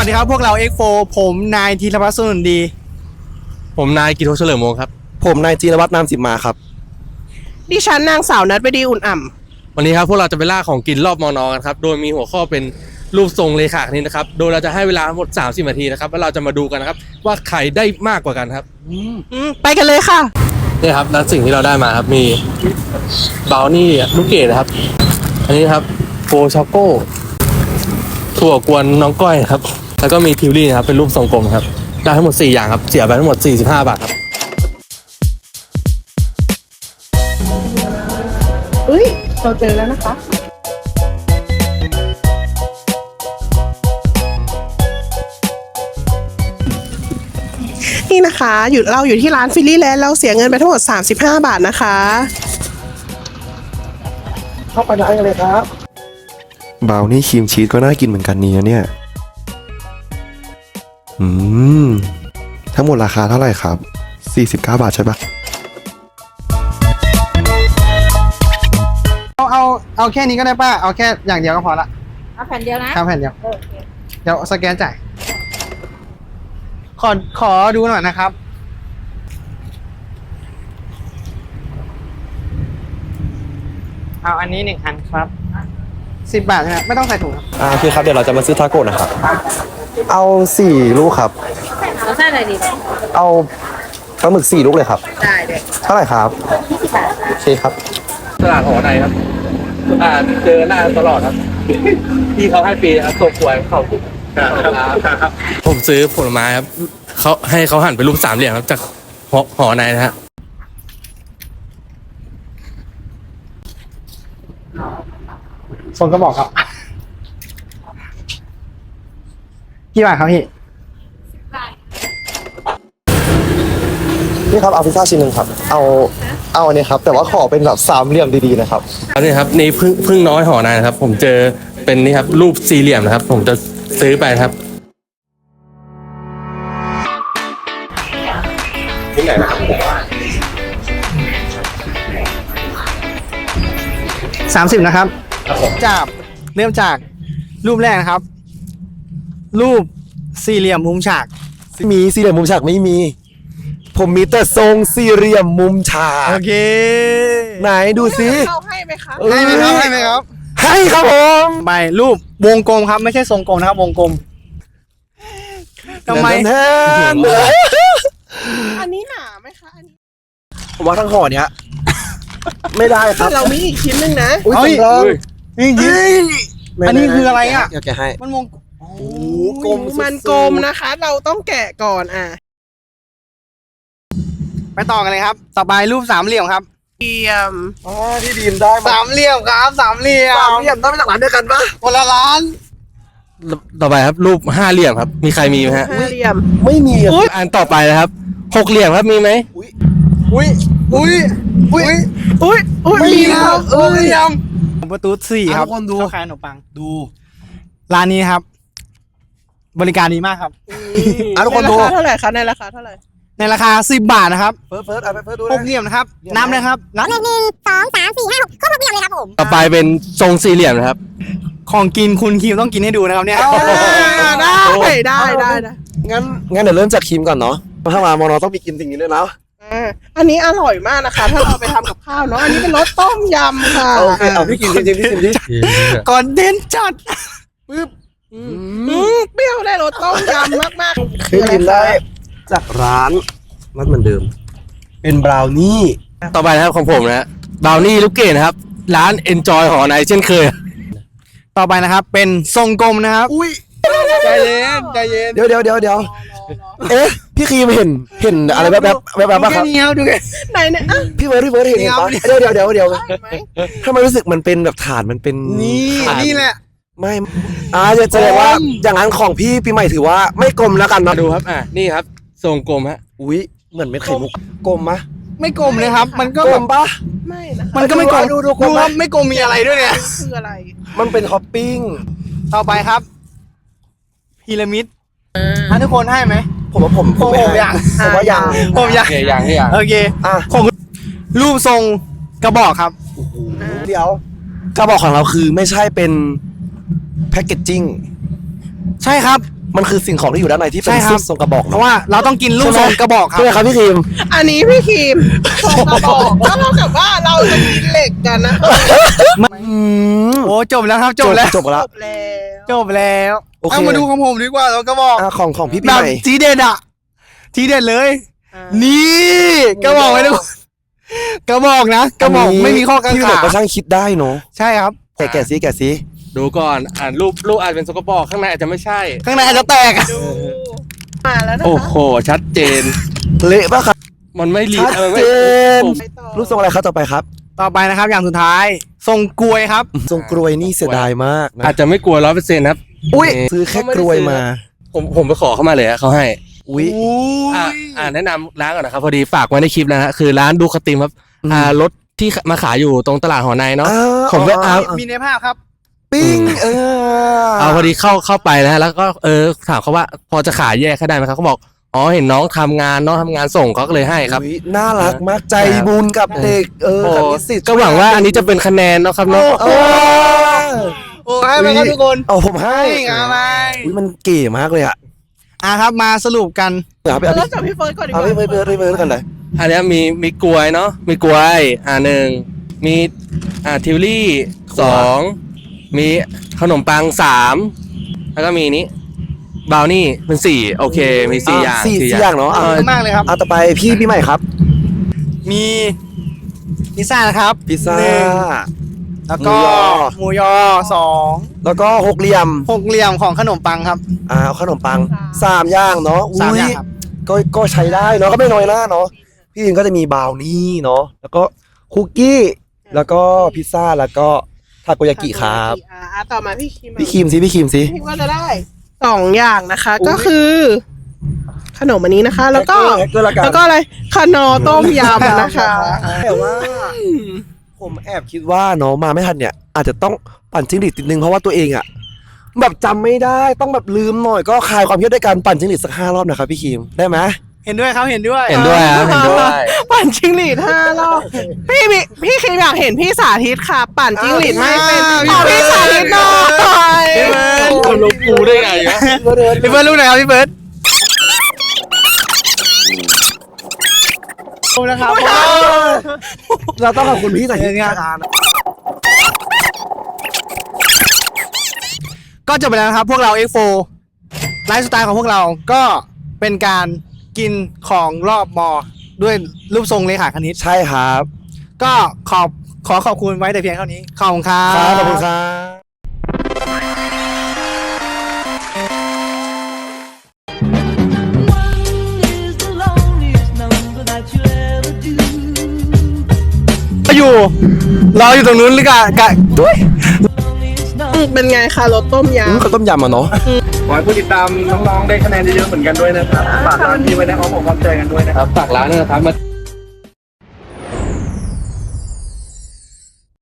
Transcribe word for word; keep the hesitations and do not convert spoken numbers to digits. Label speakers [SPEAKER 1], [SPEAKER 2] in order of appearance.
[SPEAKER 1] ดีครับพวกเรา เอ็กซ์โฟ ผมนายธีรพัฒน์สุนดี
[SPEAKER 2] ผมนายกิโทเฉลิมวงศ์ครับ
[SPEAKER 3] ผมนายจีรวัฒน์นามสิมมาครับ
[SPEAKER 4] ดิฉันนางสาวนัทไปดีอุ่นอ่ำ
[SPEAKER 2] วันนี้ครับพวกเราจะไปล่าของกินรอบมอนอกันครับโดยมีหัวข้อเป็นรูปทรงเลขาคณิตนะครับโดยเราจะให้เวลาทั้งหมดสามสิบนาทีนะครับแล้วเราจะมาดูกันนะครับว่าใครได้มากกว่ากันครับ
[SPEAKER 4] ไปกันเลยค่ะ
[SPEAKER 2] นี่ครับแล้วสิ่งที่เราได้มาครับมีบราวนี่ลูกเกดนะครับอันนี้ครับโฟช็อกโก้ถั่วกวนน้องก้อยครับแล้วก็มีทิวลี่นะครับเป็นรูปทรงกลมครับได้ทั้งหมดสี่อย่างครับเสียไปทั้งหมดสี่สิบห้าบาทครับ
[SPEAKER 4] เฮ้ยเราเจอแล้วนะคะนี่นะคะอยู่เราอยู่ที่ร้านฟิลลี่แลนด์เราเสียเงินไปทั้งหมดสามสิบห้าบาทนะคะ
[SPEAKER 3] เข้าไปได้กันเลยครับบราวนี่ครีมชีสก็น่ากินเหมือนกันนี่นะเนี่ยอืมทั้งหมดราคาเท่าไหร่ครับสี่สิบเก้าบาทใช่ปะ
[SPEAKER 1] เอาเอาเอาแค่นี้ก็ได้ป้าเอาแค่อย่างเดียวก็พอละ
[SPEAKER 5] เอาแผ่นเดียวนะ
[SPEAKER 1] ครับแผ่นเดียวเดี๋ยวสแกนจ่ายขอขอดูหน่อยนะครับเอาอันนี้หนึ่งอันครับสิบบาทใช่ไหมไม่ต้องใส่ถุงครับ
[SPEAKER 3] อ่าโอเคครับเดี๋ยวเราจะมาซื้อทาโก้นะครับเอาสี่ลูกครับ
[SPEAKER 5] เอาไส้อะไรดี
[SPEAKER 3] เอาปลาหมึกสี่ลูกเลยครับ
[SPEAKER 5] ได้เลย
[SPEAKER 3] เท่าไหร่ครับ
[SPEAKER 5] ยี่สิบบาท
[SPEAKER 3] โอเคครับ
[SPEAKER 2] ตลาดหอในครับอ่าเจอหน้าตลอดครับที่เขาให้ฟรีครับส่งป่วยเขาครับผมซื้อผลไม้ครับเขาให้เขาหั่นเป็นรูปสามเหลี่ยมครับจากหอหอในนะฮะ
[SPEAKER 1] ส่งกระบอกครับกี่บาทครับพี่
[SPEAKER 3] นี่ครับเอาพิซซ่าชิ้นหนึ่งครับเอาเอาอันนี้ครับแต่ว่าขอเป็นแบบสามเหลี่ยมดีๆนะครับ
[SPEAKER 2] อันนี้ครับนี่พึ่งพึ่งน้อยหอในนะครับผมเจอเป็นนี่ครับรูปสี่เหลี่ยมนะครับผมจะซื้อไปครับที่ไหนนะครับ
[SPEAKER 1] สามสิบนะครับจากเริ่มจากรูปแรกนะครับรูปสี่เหลี่ยมมุมฉาก
[SPEAKER 3] มีสี่เหลี่ยมมุมฉากไม่มีผมมีแต่ทรงสี่เหลี่ยมมุมฉาก
[SPEAKER 1] โอเค
[SPEAKER 3] ไหนดูสิ
[SPEAKER 4] เขาให้ไหมคะ
[SPEAKER 1] ให้ไหมครับให้ไหมครับ
[SPEAKER 3] ให้ครับผม
[SPEAKER 1] ไปรูปวงกลมครับไม่ใช่ทรงกลมนะครับวงกลมทำไม
[SPEAKER 4] อันนี้หนาไหมคะอันนี้
[SPEAKER 3] ผมว่าทั้งห่อเนี้ยไม่ได้ครับ
[SPEAKER 4] เรามีอีกชิ้นหนึ่งนะ
[SPEAKER 3] อุ้ยสำรอง
[SPEAKER 1] จริงๆอันนี้คืออะไรอ่ะ
[SPEAKER 3] เดี๋ยวแกะให้
[SPEAKER 1] มันวง
[SPEAKER 3] โอ้กลม
[SPEAKER 4] มันกลมนะคะเราต้องแกะก่อนอ่ะ
[SPEAKER 1] ไปต่อกันเลยครับต่อไปรูปสามเหลี่ยมครับ
[SPEAKER 4] เหลี่ยม
[SPEAKER 3] อ๋อที่ดีมได้
[SPEAKER 1] สามเหลี่ยมครับสามเหลี่ยม
[SPEAKER 3] สามเหลี่ยมได้มาจากร้านเดียวกันปะ
[SPEAKER 1] คนละร้าน
[SPEAKER 2] ต่อไปครับรูปห้าเหลี่ยมครับมีใครมีไหมฮะ
[SPEAKER 4] ห้าเหลี่ยม
[SPEAKER 3] ไม่มี
[SPEAKER 2] อันต่อไปนะครับหกเหลี่ยมครับมีไหม
[SPEAKER 3] อุ้ยอุ้ยอุ้ย
[SPEAKER 4] อุ้ยอุ้ยอุ้ย
[SPEAKER 1] มีแล้วหกเหลี่ยมประตูสี่ครับ
[SPEAKER 3] คนดู
[SPEAKER 1] ข้าวขายขนมปัง
[SPEAKER 3] ดู
[SPEAKER 1] ร้านนี้ครับบริการดีมากครับ
[SPEAKER 3] อ่ะทุกคนดู
[SPEAKER 4] เท่าไหร่คะในราคาเท่าไหร่
[SPEAKER 1] ในราคาสิบบาทนะครับ
[SPEAKER 3] เฟิร์สเฟิร์สเอาไปเฟิร์สดู
[SPEAKER 1] หกเหลี่ยมนะครับนับเลยครับนับ
[SPEAKER 5] หนึ่งสองสามสี่ห้าหกครบหกเหลี่ยมเลยครับผม
[SPEAKER 2] ต่อไปเป็นทรงสี่เหลี่ยมนะครับ
[SPEAKER 1] ของกินคุณคิวต้องกินให้ดูนะครับเนี่ย
[SPEAKER 4] ได้ได้ได้ได้
[SPEAKER 3] งั้นงั้นเดี๋ยวเริ่มจากครีมก่อนเนาะถ้ามามอนอต้องมีกินสิ่งนี้ด้วยนะ
[SPEAKER 4] อันนี้อร่อยมากนะคะถ้าเราไปทำกับข้าวเนาะอันนี้เป็นรสต้มยำค่ะ
[SPEAKER 3] โอเคเอาพี่กินจริงๆพี่กินดิ
[SPEAKER 1] ก่อนเด่นจัด
[SPEAKER 4] ปึ๊บเปรี้ยวได้รสต้มยำมากๆ
[SPEAKER 3] คือกินได้จากร้านมันเหมือนเดิมเป็นบราวนี่
[SPEAKER 2] ต่อไปนะครับของผมนะบราวนี่ลูกเกดนะครับร้าน Enjoy หอในเช่นเคย
[SPEAKER 1] ต่อไปนะครับเป็นทรงกลมนะครับ
[SPEAKER 3] อุ้ย
[SPEAKER 1] ใจเย็นใจเย็น
[SPEAKER 3] เดี๋ยวเดี๋ยวเดี๋ยวเดี๋ยวเอ๊ะพี่ครีมเห็นเห็นอะไรแบบแบบแบบแบบครับ
[SPEAKER 1] ดูแค่
[SPEAKER 4] ไหนเนี่ย
[SPEAKER 3] พี่เบิร์ดพี่เบิร์ดเห็นปะเดี๋ยวเดี๋ยวเดี๋ยวเดี๋ยวทำไมรู้สึกมันเป็นแบบฐานมันเป็น
[SPEAKER 1] นี่นี่แหละ
[SPEAKER 3] ไม่อ่าจะแสดงว่าอย่างนั้นของพี่ปีใหม่ถือว่าไม่กลมแล้วกันนะ
[SPEAKER 2] ดูครับอ่ะนี่ครับทรงกลมฮะ
[SPEAKER 3] อุ้ยเหมือนเม็ดไข่มุกกลมมะ
[SPEAKER 1] ไม่กลมเลยครับมันก็
[SPEAKER 3] กลมปะ
[SPEAKER 4] ไม่นะ
[SPEAKER 1] มันก็ไม่กลมดูดูครับไม่กลมมีอะไรด้วยเนี่ย
[SPEAKER 4] คืออะไร
[SPEAKER 3] มันเป็นท็อปปิ้ง
[SPEAKER 1] ต่อไปครับพีระมิดอ่ะทุกคนให้ไหม
[SPEAKER 3] ผมว่าผม
[SPEAKER 1] ผมอยาก
[SPEAKER 3] ผมว่ายัง
[SPEAKER 1] ผมอยาก
[SPEAKER 2] อย่างที่อย่าง
[SPEAKER 1] โอเค
[SPEAKER 3] อ่ะ
[SPEAKER 1] ผมรูปทรงกระบอกครับ
[SPEAKER 3] เดี๋ยวกระบอกของเราคือไม่ใช่เป็นแพ็กเกจจิ้ง
[SPEAKER 1] ใช่ครับ
[SPEAKER 3] มันคือสิ่งของที่อยู่ด้านในที่เป็น
[SPEAKER 1] ใช่ครับ
[SPEAKER 3] รูปทรงกระบอก
[SPEAKER 1] เพราะว่าเราต้องกินลูกทรงกระบอกครับ
[SPEAKER 3] ใช่ไหมครับพี่ครีม
[SPEAKER 4] อันนี้พี่ครีมส่งกระบอกก็เท่ากับว่าเราจะกินเหล็กกันนะ
[SPEAKER 3] อืม
[SPEAKER 1] โอ้จบแล้วครับจบแล้ว
[SPEAKER 3] จบแล้ว
[SPEAKER 4] จบแล้ว
[SPEAKER 1] จบแล้ว
[SPEAKER 3] โอเค
[SPEAKER 1] เอามาดูของผมดีกว่าแล้วกระบอก
[SPEAKER 3] อ่ะของของพี่ปี
[SPEAKER 1] แบ
[SPEAKER 3] ให
[SPEAKER 1] บ
[SPEAKER 3] ม่
[SPEAKER 1] ทีเด็ดอ่ะทีเด็ดเลย
[SPEAKER 4] อ่า
[SPEAKER 1] นี่กระบอกไว้ดูกระบอกนะกระบอกไม่มีข้อกัง
[SPEAKER 3] พี่ปีใหม่
[SPEAKER 1] ขา
[SPEAKER 3] ก็ช่างคิดได้เนาะ
[SPEAKER 1] ใช่ครับ
[SPEAKER 3] แกะแกะซิแกะซิ
[SPEAKER 2] ดูก่อนอ่านรูปรูปอาจเป็นสกปรกข้างในอาจจะไม่ใช่
[SPEAKER 1] ข้างในอาจจะแตกอะ
[SPEAKER 4] ดูมาแล้วนะ
[SPEAKER 2] โอ้
[SPEAKER 4] คะ
[SPEAKER 2] โห ชัดเจน
[SPEAKER 3] เละป่ะครับ
[SPEAKER 2] มันไม่รี
[SPEAKER 3] ชัด
[SPEAKER 2] เออไม่
[SPEAKER 3] เจน
[SPEAKER 2] ผม
[SPEAKER 4] ไปต่อ
[SPEAKER 3] รูปทรงอะไรครับต่อไปครับ
[SPEAKER 1] ต่อไปนะครับอย่างสุดท้ายทรงกลวยครับ
[SPEAKER 3] ทรงกรวยนี่เสียดายมากนะ
[SPEAKER 2] อาจจะไม่กลัวร้อยเปอร์เซ็นต์ครับ
[SPEAKER 3] อุ้ย
[SPEAKER 2] นี่
[SPEAKER 3] ซื้อแค่กรวยมา
[SPEAKER 2] ผมผมไปขอเข้ามาเลยอะเขาให้
[SPEAKER 3] อุ้ย
[SPEAKER 2] อ่าอ่าแนะนำร้านก่อนนะครับ พอดีฝากไว้ในคลิปนะฮะคือร้านดูคติมครับ
[SPEAKER 3] อืม
[SPEAKER 2] อ่ารถที่มาขายอยู่ตรงตลาดหอในเนาะ
[SPEAKER 3] อ่า
[SPEAKER 2] ผมไปเอา
[SPEAKER 1] มีในภาพครับ
[SPEAKER 3] ปิ้งเออ
[SPEAKER 2] เอาพอดีเข้าเข้าไปนะฮะแล้วก็เออถามเขาว่าพอจะขายแยกให้ได้ไหมครับเขาบอกอ๋อเห็นน้องทำงานน้องทำงานส่งเขาก็เลยให้ครับ
[SPEAKER 3] อุ๊ยน่ารักมากใจบุญกับเด็กเออ
[SPEAKER 2] โอ้
[SPEAKER 3] กับนิสิต
[SPEAKER 2] ก็หวังว่าอันนี้จะเป็นคะแนนเนาะครับเนาะ
[SPEAKER 3] เออ
[SPEAKER 1] โอ้ให้ไปครับทุกคน
[SPEAKER 3] เอาผมให้
[SPEAKER 1] นี่อะไร
[SPEAKER 3] อุ้ยมันเก๋มากเลยอ่ะ
[SPEAKER 1] อ่ะครับมาสรุปกัน
[SPEAKER 3] เอาไปเอา
[SPEAKER 4] เริ่
[SPEAKER 3] ไป
[SPEAKER 4] มจากพี่เฟิร์สก่อนดีก
[SPEAKER 3] เอา
[SPEAKER 4] ว่า
[SPEAKER 3] ไปเบิร์ดไปเบิร์ดกันเลย
[SPEAKER 2] อันเนี้ยมีมีกลวยเนาะมีกลวยอ่าหนึ่งมีอ่าทิวลี่สองมีขนมปังสามแล้วก็มีนี้บราวนี่เป็นสี่โอเคมีสี่อย่าง
[SPEAKER 3] สี่สี่อย่างเนาะ
[SPEAKER 1] ขอบ
[SPEAKER 3] เอา
[SPEAKER 1] คุณมากเลยครับ
[SPEAKER 3] เอาต่อไปพี่พี่ใหม่ครับ
[SPEAKER 1] มีพิซซ่านะครับ
[SPEAKER 3] พิซซ่า
[SPEAKER 1] หนึ่งแล้วก็
[SPEAKER 3] หมูยอ
[SPEAKER 1] หมูยอสอง
[SPEAKER 3] แล้วก็หกเหลี่ยม
[SPEAKER 1] หกเหลี่ยมของขนมปังครับ
[SPEAKER 3] อ่าเอาขนมปังสามอย่างเนาะ
[SPEAKER 1] สามอย่าง
[SPEAKER 3] อุ๊
[SPEAKER 1] ครับ
[SPEAKER 3] ก็ก็ใช้ได้เนาะก็ไม่น้อยหน้าเนาะพี่ยิงก็จะมีบราวนี่เนาะแล้วก็คุกกี้แล้วก็พิซซ่าแล้วก็ทาโกยากิครับ
[SPEAKER 4] อ่าอ่ะต่อมาพี่ครีม
[SPEAKER 3] พี่ครีมสิพี่ครีมสิ
[SPEAKER 4] พี่ก็จะได้สองอย่างนะคะ ก็คือ ขนมอันนี้นะคะ แล้วก็
[SPEAKER 3] แฮกเกอร์ละกัน
[SPEAKER 4] แล้วก็อะไรคานอต้มยำนะคะ
[SPEAKER 3] แต่ว่า ผมแอบคิดว่าเนาะมาไม่ทันเนี่ย อาจจะต้องปั่นจิ้งหรีดติดนึงเพราะว่าตัวเองอะแบบจำไม่ได้ต้องแบบลืมหน่อยก็คลายความเครียดด้วยการปั่นจิ้งหรีดสักห้ารอบนะครับพี่ครีมได้ไหม
[SPEAKER 1] เห็นด้วยครับเห็นด้วย
[SPEAKER 2] เห็นด้วยครับเห็นด้วย
[SPEAKER 4] ปั่นจิ้งหรีดห้ารอบพี่พี่พี่ครีมอยากเห็นพี่สาธิตค่ะ ปั่นจิ้งหรีดไม่เป็นขอพี่สาธิตหน่อย
[SPEAKER 1] พี่เบิร์ด
[SPEAKER 2] คนลงกูได้ไงวะ
[SPEAKER 1] พี่เบิร์ดรู้ไหนอยครับพี่เบิร์ดขอบคุณนะครับ
[SPEAKER 3] เราต้องขอบคุณพี่สายทิต
[SPEAKER 1] เนี่ย
[SPEAKER 3] การ
[SPEAKER 1] ก็จบไปแล้วนะครับ พวกเรา เอ็กซ์โฟ ไลฟ์สไตล์ของพวกเราก็เป็นการกินของรอบมอ ด้วยรูปทรงเลขาคณิต
[SPEAKER 3] ใช่ครับ
[SPEAKER 1] ก็ขอบขอขอบคุณไว้แต่เพียงเท่านี้ ขอบคุณครับ
[SPEAKER 3] ครับขอบคุณครับ
[SPEAKER 1] อยู่รออยู่ตรงนู้นหรือกะกะด้วย
[SPEAKER 4] เป็นไงคะรสต้มย
[SPEAKER 3] อืมข้าวต้มยำอ่ะเนาะ
[SPEAKER 6] ขอให้ผู้ติดตามน้องๆได้คะแนนเยอะๆเหมือนกันด้วยนะครับฝากร้านนี้ไว้ในอ้อมอกอ้อมใจกันด้วยนะครับ
[SPEAKER 2] ฝากร้านด้วยนะครับมา